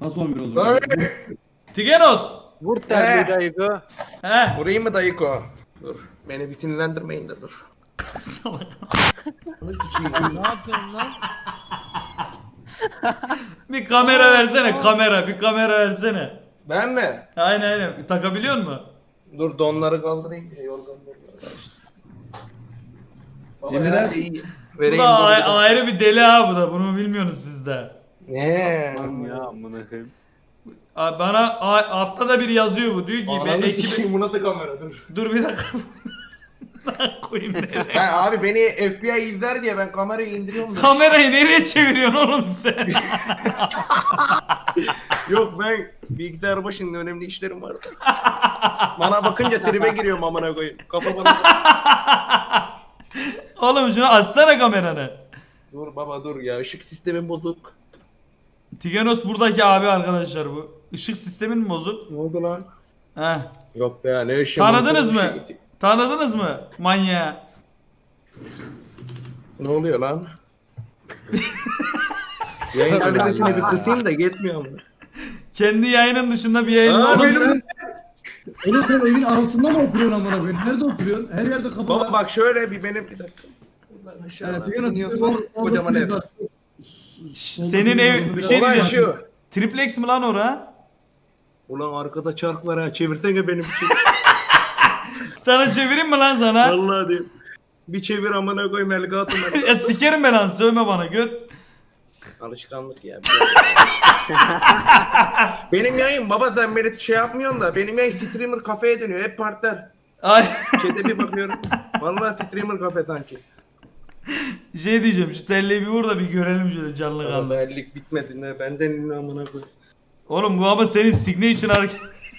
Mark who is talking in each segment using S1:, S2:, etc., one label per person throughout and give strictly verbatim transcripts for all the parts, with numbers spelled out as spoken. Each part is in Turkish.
S1: Nasıl on bir olur?
S2: Tigenos.
S3: Vur terliği
S4: He.
S3: dayıko.
S2: He.
S4: Vurayım mı dayıko? Dur. Beni bir sinirlendirmeyin de dur. Onu sikeyim.
S5: Ne yapıyorsun lan?
S2: Bir kamera versene kamera. Bir kamera versene.
S4: Ben mi?
S2: Aynen aynen. Takabiliyor musun?
S4: Dur donları kaldırayım ya yorganları. Baba
S1: Yemin
S4: herhalde
S1: ederim.
S4: iyi.
S2: Bu
S4: Vereyim
S2: da
S4: dur.
S2: a- ayrı bir deli ha bu da. Bunu bilmiyorsunuz siz de.
S4: Ne?
S3: Lan ya amına koyayım.
S2: Abi bana a- haftada bir yazıyor bu. Diyor ki ben
S4: Ananı
S2: ekibi...
S4: sikeyim buna da kamera dur.
S2: Dur bir dakika. Lan koyayım nereye?
S4: Ben abi beni F B I izler diye ben kamerayı indiriyorum da.
S2: Kamerayı nereye çeviriyorsun oğlum sen?
S4: Yok ben bilgisayar başında önemli işlerim vardı. Bana bakınca tribe giriyorum amına koyayım. Kafa bana.
S2: Oğlum şunu açsana kameranı.
S4: Dur baba dur ya ışık sistemin bozuk.
S2: Tigenos buradaki abi arkadaşlar bu. Işık sistemin mi bozuk?
S4: Ne oldu lan?
S2: Heh.
S4: Yok be ya ne ışığı.
S2: Tanıdınız
S4: bozuk bir
S2: mı?
S4: şey gitti.
S2: Tanıdınız mı manyağı?
S4: Ne oluyor lan? Yayın kalitesini bir kısayım da yetmiyor mu?
S2: Kendi yayının dışında bir yayın
S4: Aa,
S2: oğlum
S4: benim-
S2: sen-
S1: Oğlum sen evin altında mı oturuyorsun amına koyayım? Nerede oturuyorsun? Her yerde kapı
S4: Baba
S1: var.
S4: bak şöyle bir benim bir dakika. Buradan
S1: Evet,
S4: aşağıdan
S1: Tigenos,
S4: iniyorsun
S1: Tigenos,
S4: kocaman ev.
S2: Şş, senin ev bir şey
S4: Olay
S2: diyeceğim.
S4: şu.
S2: Triplex mi lan ora?
S4: Ulan arkada çark var ha çevirsene benim için.
S2: Sana çevireyim mi lan sana?
S4: Vallahi diyeyim. Bir çevir amına koyayım elgatım.
S2: Ya sikerim ben lan sövme bana göt.
S4: Alışkanlık ya. Benim yayın baba sen beni şey yapmıyorsun da benim yayın streamer kafeye dönüyor hep partner.
S2: Ay
S4: Chat'e bir bakıyorum. Vallahi streamer kafe sanki.
S2: şey diyeceğim şu telleyi bir vur da bir görelim şöyle canlı
S4: Ama
S2: kanlı.
S4: bellik bitmedi ne benden ne amına koy.
S2: Oğlum bu ama senin signature hareket.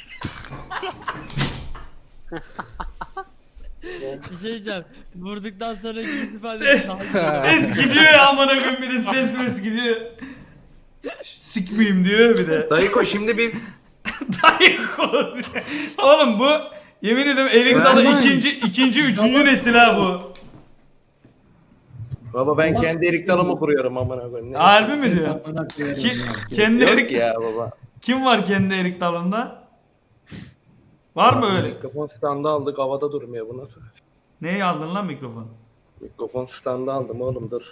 S5: Bir şey diyeceğim. Vurduktan sonra yüz ifade
S2: Ses, ses gidiyor ya amına koyayım bir de ses mes gidiyor. Ş- Sikmeyeyim diyor bir de.
S4: Dayıko şimdi biz
S2: Dayı kolu diyor. Oğlum bu yemin ederim elik dalı
S1: Vermem.
S2: ikinci, ikinci, üçüncü nesil ha bu.
S4: baba ben kendi erik dalımı kuruyorum amına koyayım. Ne?
S2: Harbi mi diyor?
S1: Amına koyarım
S2: Ki,
S1: ya.
S2: kendi
S4: Yok
S2: erik...
S4: ya baba.
S2: Kim var kendi erik dalında? Var mı öyle?
S4: Mikrofon standı aldık havada durmuyor bu nasıl?
S2: Neyi aldın lan mikrofon?
S4: Mikrofon standı aldım oğlum dur.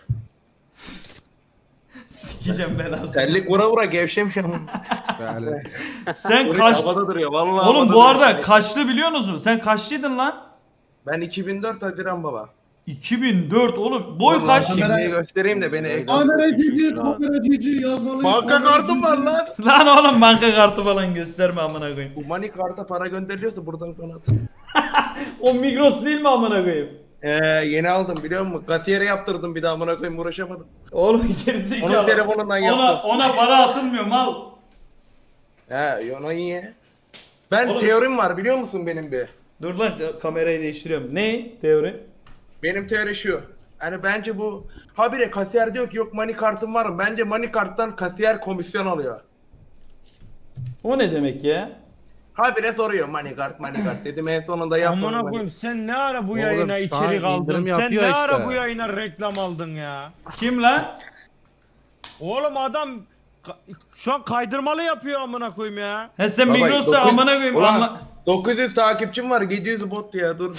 S2: Sikeceğim belasını.
S4: Terlik vura vura gevşemiş ama.
S2: Sen
S4: Kaç...
S2: kaç...
S4: Havada duruyor vallahi.
S2: Oğlum
S4: havada
S2: bu arada
S4: duruyor.
S2: kaçlı biliyor musun? Sen kaçlıydın lan?
S4: Ben iki bin dört Haziran baba.
S2: iki bin dört oğlum. Boy
S4: Vallahi
S2: kaç?
S1: kamera-
S4: Şimdi göstereyim de beni.
S1: Kamera cici, kamera cici yazmalı.
S4: Banka kartım var lan.
S2: Lan oğlum banka kartı falan gösterme amına koyayım.
S4: Bu money karta para gönderiliyorsa buradan kanat.
S2: O Migros değil mi amına koyayım?
S4: Ee, yeni aldım biliyor musun? Kasiyere yaptırdım bir daha amına koyayım uğraşamadım.
S2: Oğlum gerizekalı.
S4: Onun telefonundan
S2: Ona,
S4: yaptım.
S2: ona para atılmıyor mal.
S4: He ona iyi. Ben
S2: Oğlum-
S4: teorim var biliyor musun benim bir?
S2: Dur lan kamerayı değiştiriyorum. Ne teori?
S4: Benim teori şu. Hani bence bu habire kasiyer diyor ki yok money kartım var mı? Bence money karttan kasiyer komisyon alıyor.
S2: O ne demek ya?
S4: Habire soruyor money kart money kart dedim en sonunda yapmadım.
S3: Amına
S4: money.
S3: koyayım sen ne ara bu
S6: Oğlum,
S3: yayına
S6: sana
S3: içerik aldın?
S6: indirim
S3: Sen
S6: yapıyor
S3: ne
S6: işte.
S3: ara bu yayına reklam aldın ya?
S2: Kim lan?
S3: Oğlum adam ka- şu an kaydırmalı yapıyor amına koyayım ya.
S2: He sen
S4: Baba,
S2: Migros'ta
S4: dokuz-
S2: amına koyayım.
S4: Ulan,
S2: Anla...
S4: dokuz yüz takipçim var yedi yüz bot ya dur da.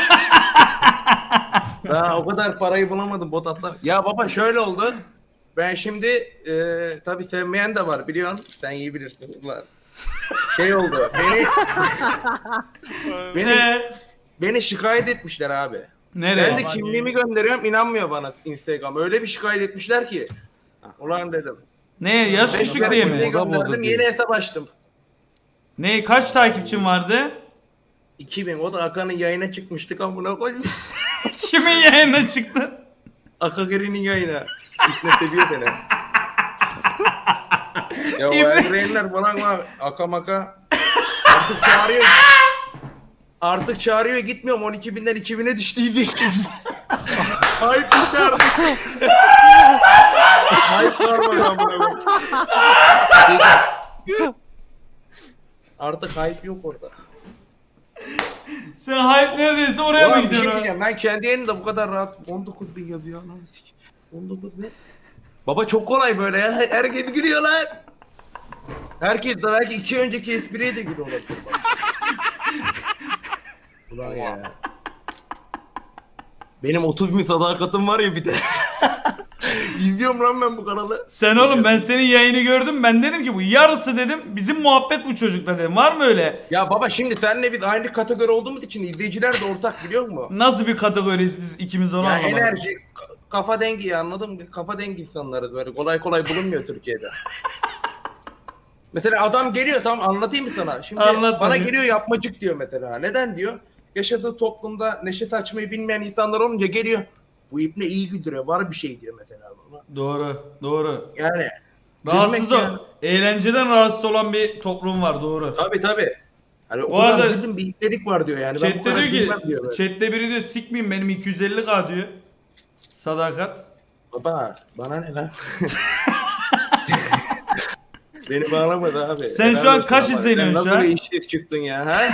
S4: Daha o kadar parayı bulamadım bot atlar. Ya baba şöyle oldu. Ben şimdi e, tabii sevmeyen de var biliyorsun. Sen iyi bilirsin. Ulan. Şey oldu. Beni beni
S2: Ee,
S4: beni şikayet etmişler abi.
S2: nereye?
S4: Ben de kimliğimi gönderiyorum inanmıyor bana Instagram. Öyle bir şikayet etmişler ki. Ulan dedim.
S2: Ne yaş
S4: Ben
S2: küçük diye
S4: kimliği
S2: mi?
S4: gönderdim
S6: bozuk
S4: yeni hesap açtım.
S2: Ne kaç takipçin vardı?
S4: iki bin o da Akan'ın yayına çıkmıştık amına koyayım.
S2: Kimin yayına çıktın?
S4: Akagiri'nin yayına. İpne seviyor beni. Ya o
S2: İbne-
S4: Eldrain'ler falan var. Aka maka. Artık çağırıyor. Artık çağırıyor gitmiyorum. on iki binden iki bine düştü diye. Hype düştü artık. Hype var mı lan buna? Artık hype yok orada.
S2: Sen hype neredeyse oraya mı
S4: Ulan bir şey
S2: gidiyorsun?
S4: diyeceğim. Ben kendi yayınımda bu kadar rahat on dokuz bin yazıyor. Lan sik. on dokuz ne? Baba çok kolay böyle ya. Herkes gülüyor lan. Herkes de belki iki önceki espriye de gülüyor olabilir. bak. Ulan ya. Benim otuz bin sadakatim var ya bir de. İzliyorum lan ben bu kanalı.
S2: Sen oğlum ben senin yayını gördüm. Ben dedim ki bu yarısı dedim. Bizim muhabbet bu çocukla dedim. Var mı öyle?
S4: Ya baba şimdi seninle biz aynı kategori olduğumuz için izleyiciler de ortak biliyor musun?
S2: Nasıl bir kategoriyiz biz ikimiz onu
S4: Ya
S2: anlamadım.
S4: enerji, ka- kafa dengi anladın mı? Kafa dengi insanlarız böyle kolay kolay bulunmuyor Türkiye'de. Mesela adam geliyor tamam anlatayım mı sana? Şimdi
S2: Anlat
S4: bana
S2: bakayım.
S4: geliyor yapmacık diyor mesela. Neden diyor? Yaşadığı toplumda neşet açmayı bilmeyen insanlar olunca geliyor. Bu ipne iyi güldürüyor. Var bir şey diyor mesela bana.
S2: Doğru, doğru.
S4: Yani
S2: Rahatsız
S4: gülmek
S2: o.
S4: yani.
S2: Eğlenceden rahatsız olan bir toplum var, doğru.
S4: Tabii tabii. Hani o
S2: Bu
S4: kadar
S2: arada-
S4: güldüm bir ipnelik var diyor yani. Ben bu
S2: Chat'te
S4: kadar
S2: diyor
S4: gülmem
S2: ki,
S4: diyor böyle.
S2: chat'te biri diyor sikmeyeyim benim iki yüz elli K diyor. Sadakat.
S4: Baba bana ne lan? Beni bağlamadı abi.
S2: Sen şu
S4: Helal
S2: an
S4: olsun
S2: kaç
S4: ama.
S2: izleniyorsun
S4: Sen
S2: şu an?
S4: Nasıl bir işsiz çıktın ya ha?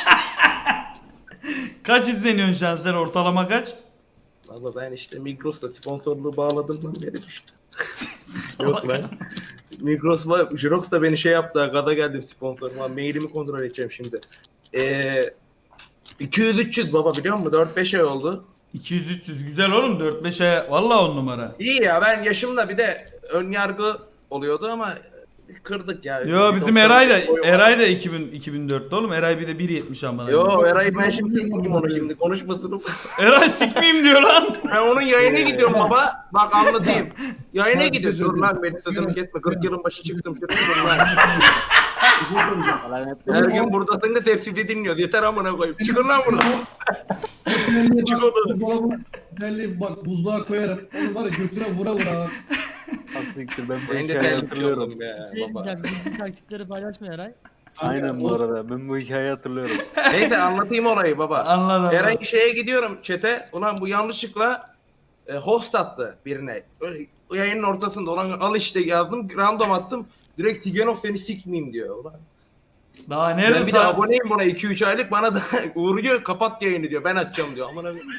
S2: Kaç izleniyorsun şu an sen, ortalama kaç?
S4: Valla ben işte Migros'ta sponsorluğu bağladığımdan beri düştü. Yok lan. Migros'la Jirox da beni şey yaptı. Gada geldim sponsoruma. Mailimi kontrol edeceğim şimdi. Ee, iki yüz üç yüz baba biliyor musun? dört beş ay oldu.
S2: iki yüz üç yüz güzel oğlum, dört beş aya valla on numara.
S4: İyi ya ben yaşımda bir de ön yargı oluyordu ama kırdık ya.
S2: Yo bizim
S4: Bir
S2: Eray da
S4: doksan boyu var.
S2: Eray da iki bin iki bin dörtte oğlum. Eray bir de bir yetmiş amına.
S4: Yo Eray ben şimdi sikmeyeyim onu şimdi konuşmasını.
S2: Eray sikmeyeyim diyor lan.
S4: Ben onun yayına gidiyorum baba. Bak anlatayım. Yayına
S1: Bak,
S4: gidiyor. Dur
S1: gözüm.
S4: lan beni sözümü kesme. kırk yılın başı çıktım. Şurada dur lan.
S5: Lan hep
S4: Her gün buradasın da tefsiri dinliyor. Yeter amına koyayım. Çıkın lan buradan. Çık odadan.
S1: Dolabı belli bak buzluğa koyarım. Onu var ya götüne vura vura.
S6: Siktir ben bu
S4: Ben de
S6: hikayeyi
S4: terlikçi
S6: hatırlıyorum.
S4: oldum ya
S5: şey
S4: baba.
S5: diyeceğim. Gizli taktikleri paylaşma Eray.
S6: Aynen bu arada ben bu hikayeyi hatırlıyorum.
S4: Neyse anlatayım olayı baba.
S2: Anladım.
S4: Herhangi şeye gidiyorum çete. Ulan bu yanlışlıkla e, host attı birine. Öyle, o yayının ortasında olan al işte yazdım. Random attım. Direkt Tigenov seni sikmeyeyim diyor. Ulan.
S2: Daha nerede
S4: Ben bir de
S2: ta-
S4: aboneyim buna iki üç aylık bana da uğruyor kapat yayını diyor. Ben açacağım diyor. Aman abi.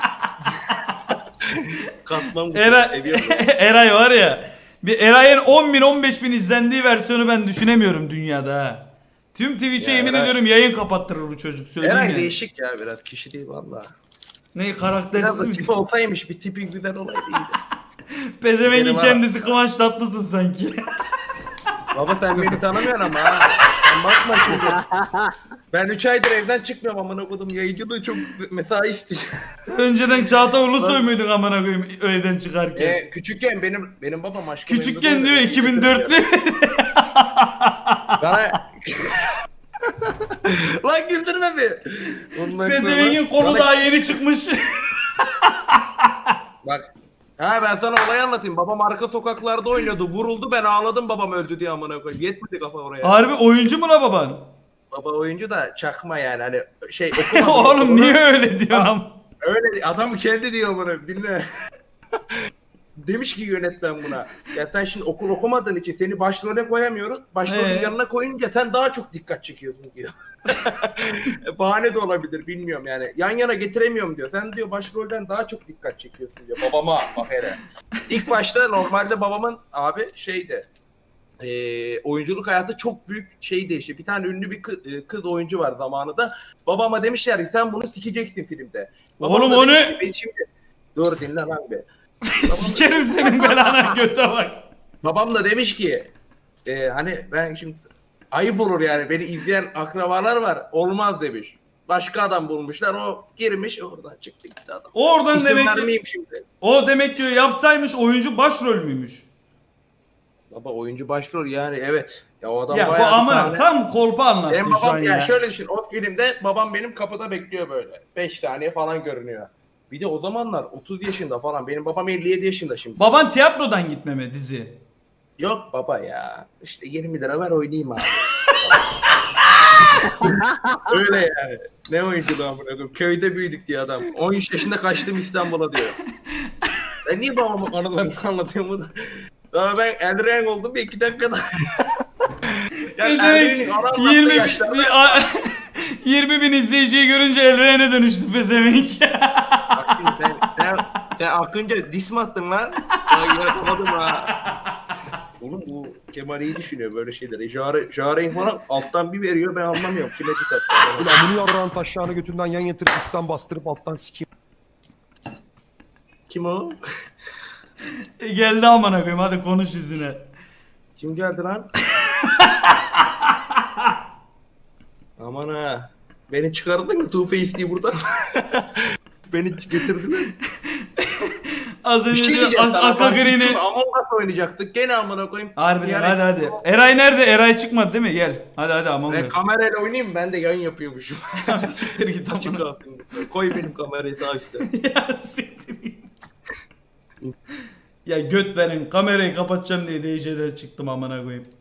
S4: Katmam.
S2: Eray,
S4: Seviyorum.
S2: Eray var ya. Bir Eray'ın on bin on beş bin izlendiği versiyonu ben düşünemiyorum dünyada ha. Tüm Twitch'e
S4: Ya
S2: yemin
S4: Eray-
S2: ediyorum yayın kapattırır bu çocuk, söyleyeyim
S4: Eray
S2: yani.
S4: değişik ya biraz kişi değil valla.
S2: Ne
S4: Biraz
S2: karaktersiz
S4: da
S2: mi?
S4: tipi olsaymış bir tipi güzel olaydı iyiydi.
S2: Pezevengin
S4: Benim ha-
S2: kendisi Kıvanç Tatlıtuğ sanki.
S4: Baba sen beni tanımıyorsun ama ha. Sen bakma şimdi. Ben üç aydır evden çıkmıyorum amına kodum. Yayıncılığı çok mesai istiyor.
S2: Önceden Çağatay Ulusoy muydun amına koyayım evden çıkarken?
S4: Ee, küçükken benim benim babam aşkım.
S2: Küçükken diyor iki bin dörtlü.
S4: Bana... Lan güldürme bir. Ondan sonra-
S2: Pezevengin kolu
S4: Bana-
S2: daha yeni çıkmış.
S4: Bak. Ha ben sana olayı anlatayım. Babam arka sokaklarda oynuyordu. Vuruldu ben ağladım babam öldü diye amına koyayım. Yetmedi kafa oraya.
S2: Harbi oyuncu mu la baban?
S4: Baba oyuncu da çakma yani hani şey okumadı.
S2: Oğlum niye öyle diyorsun am?
S4: Öyle adam kendi diyor bunu dinle. Demiş ki yönetmen buna. Ya sen şimdi okul okumadığın için seni başrole koyamıyoruz. Başrolün
S2: Ee?
S4: yanına koyunca sen daha çok dikkat çekiyorsun diyor. Bahane de olabilir bilmiyorum yani. Yan yana getiremiyorum diyor. Sen diyor başrolden daha çok dikkat çekiyorsun diyor. Babama bak hele. İlk başta normalde babamın abi şeydi. E, oyunculuk hayatı çok büyük şey değişti. Bir tane ünlü bir kız, kız oyuncu var zamanında. Babama demişler ki sen bunu sikeceksin filmde. Babam
S2: Oğlum
S4: da
S2: o
S4: demiş
S2: ne?
S4: ki, "Ben şimdi dur dinle lan be. Babam da-
S2: Sikerim senin belana, göte bak.
S4: Babam da demiş ki e, hani ben şimdi ayıp olur yani beni izleyen akrabalar var olmaz demiş. Başka adam bulmuşlar o girmiş oradan çıktı gitti adam.
S2: O oradan
S4: İsim
S2: demek ki,
S4: vermeyeyim şimdi.
S2: o demek ki yapsaymış oyuncu başrol müymüş?
S4: Baba oyuncu başrol yani evet. Ya o adam
S2: Ya bu
S4: bayağı bir
S2: amına
S4: sahne-
S2: tam kolpa anlattın
S4: Benim
S2: şu an
S4: babam
S2: ya.
S4: ya şöyle düşün o filmde babam benim kapıda bekliyor böyle. beş saniye falan görünüyor. Bir de o zamanlar otuz yaşında falan benim babam elli yedi yaşında şimdi.
S2: Baban tiyatrodan gitmeme dizi.
S4: Yok baba ya işte yirmi lira ver oynayayım abi. Öyle yani. Ne oyunculuğu amına koyayım. Köyde büyüdük diye adam. on üç yaşında kaçtım İstanbul'a diyor. Ben niye babamın anılarını anlatıyorum bunu? Daha ben Elren oldum bir iki dakikada. Ya Elren'in ana anlattığı
S2: yirmi, bin,
S4: yaşlarda-
S2: bir- a- yirmi bin izleyiciyi görünce Elren'e dönüştü pezevenk.
S4: Bak şimdi sen, sen, sen Akınca dis mi attın lan? Ya yaratamadım ha. Oğlum bu Kemal iyi düşünüyor böyle şeyleri. Jare, Jare'in falan alttan bir veriyor ben anlamıyorum. Kime dikkat.
S7: Ulan bunu yarrağın taşlarını götünden yan yatırıp üstten bastırıp alttan sikeyim.
S4: Kim o?
S2: E, geldi amına koyayım hadi konuş yüzüne.
S4: Kim geldi lan? Aman ha. Beni çıkardın mı Two Face diye buradan? Beni getirdiler.
S2: Az
S4: Bir
S2: önce
S4: şey
S2: diyor,
S4: diyeceğim.
S2: Ak- Aka Green'i.
S4: Among Us oynayacaktık. Gene amına koyayım.
S2: Harbiden
S4: Yani-
S2: hadi hadi. Eray nerede? Eray çıkmadı değil mi? Gel. Hadi hadi Among
S4: Ben
S2: Us.
S4: kamerayla oynayayım mı? Ben de yayın yapıyormuşum.
S2: Siktir git
S4: Açık
S2: amına.
S4: kalsın. Koy benim kamerayı sağ üstte.
S2: Ya siktir git. Ya göt verin kamerayı kapatacağım diye D J'den çıktım amına koyayım.